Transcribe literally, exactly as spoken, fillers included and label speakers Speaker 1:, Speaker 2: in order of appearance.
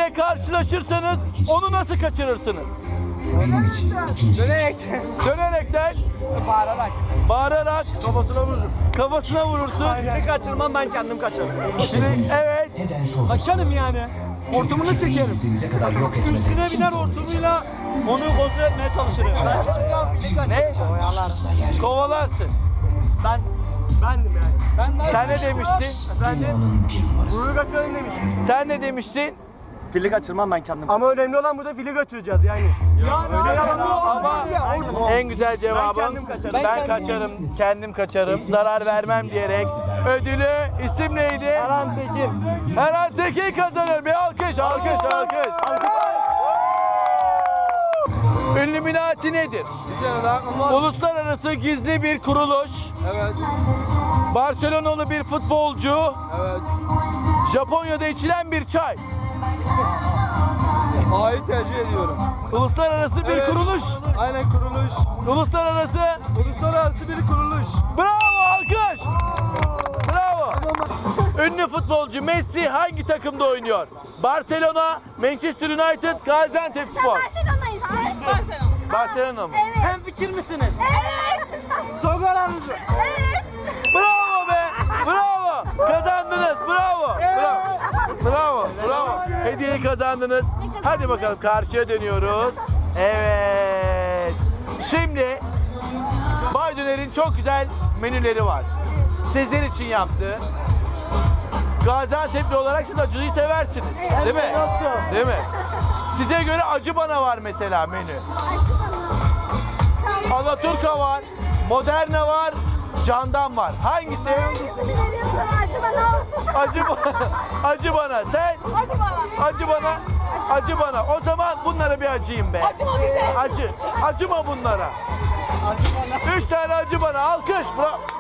Speaker 1: biriyle karşılaşırsanız onu nasıl kaçırırsınız?
Speaker 2: Dönerek.
Speaker 1: Dönerekten,
Speaker 2: Bağırarak.
Speaker 1: bağırarak,
Speaker 2: Kafasına vururum.
Speaker 1: kafasına vurursun.
Speaker 2: Aynen. Kaçırmam, ben kendim kaçarım.
Speaker 1: Şimdi, evet.
Speaker 2: Kaçarım yani. Hortumunu çekerim. Üstüne biner hortumuyla onu kontrol etmeye çalışırım. Ben çıkacağım.
Speaker 1: Ne?
Speaker 2: Oyalarsın.
Speaker 1: Kovalarsın.
Speaker 2: Ben bendim yani. Ben de
Speaker 1: Sen ne demiştin?
Speaker 2: Efendim? Vuruyu kaçıralım demiştim.
Speaker 1: Sen ne demiştin?
Speaker 2: Fili kaçırmam, ben kendim. Ama önemli olan burada fili kaçıracağız yani. Yani öyle yalan
Speaker 1: Ama en güzel cevabım
Speaker 2: Ben kendim kaçarım.
Speaker 1: ben,
Speaker 2: Ben kendim-
Speaker 1: kaçarım, kendim kaçarım, zarar vermem diyerek ödülü isim neydi?
Speaker 2: Erhan Tekin.
Speaker 1: Erhan Tekin kazanır. Bir alkış, alkış, alkış. Illuminati nedir? Uluslararası gizli bir kuruluş.
Speaker 2: Evet.
Speaker 1: Barcelonalı bir futbolcu.
Speaker 2: Evet.
Speaker 1: Japonya'da içilen bir çay.
Speaker 2: A'yı tercih ediyorum.
Speaker 1: Uluslararası bir
Speaker 2: Evet.
Speaker 1: kuruluş.
Speaker 2: Aynen, kuruluş.
Speaker 1: Uluslararası.
Speaker 2: Uluslararası bir kuruluş.
Speaker 1: Bravo, alkış. Bravo. Ünlü futbolcu Messi hangi takımda oynuyor? Barcelona, Manchester United, Gaziantepspor.
Speaker 3: Barcelona işte. Barcelona.
Speaker 1: Barcelona mı?
Speaker 3: Evet.
Speaker 2: Hem fikir misiniz?
Speaker 3: Evet.
Speaker 2: Son kararınız mı?
Speaker 3: Evet.
Speaker 1: Bravo be! Bravo! Kazandınız. Bravo. Bravo. Bravo. Bravo. Hediyeyi kazandınız. Hadi bakalım karşıya dönüyoruz. Evet. Şimdi Bay Döner'in çok güzel menüleri var. Sizler için yaptı. Gaziantep'li olarak siz acılıyı seversiniz. Değil mi?
Speaker 2: Nasıl?
Speaker 1: Değil mi? Size göre acı bana var mesela menü. Alaturka var, Moderna var, Candan var. Hangisi?
Speaker 3: Hangisini veriyorsan acı bana olsun.
Speaker 1: Acı bana. Acı bana. Sen?
Speaker 3: Acı bana.
Speaker 1: Acı bana. Acı bana. O zaman bunlara bir acıyım be.
Speaker 3: Acıma bize.
Speaker 1: Acı. Acıma bunlara. Üç tane acı bana. Alkış. Bravo.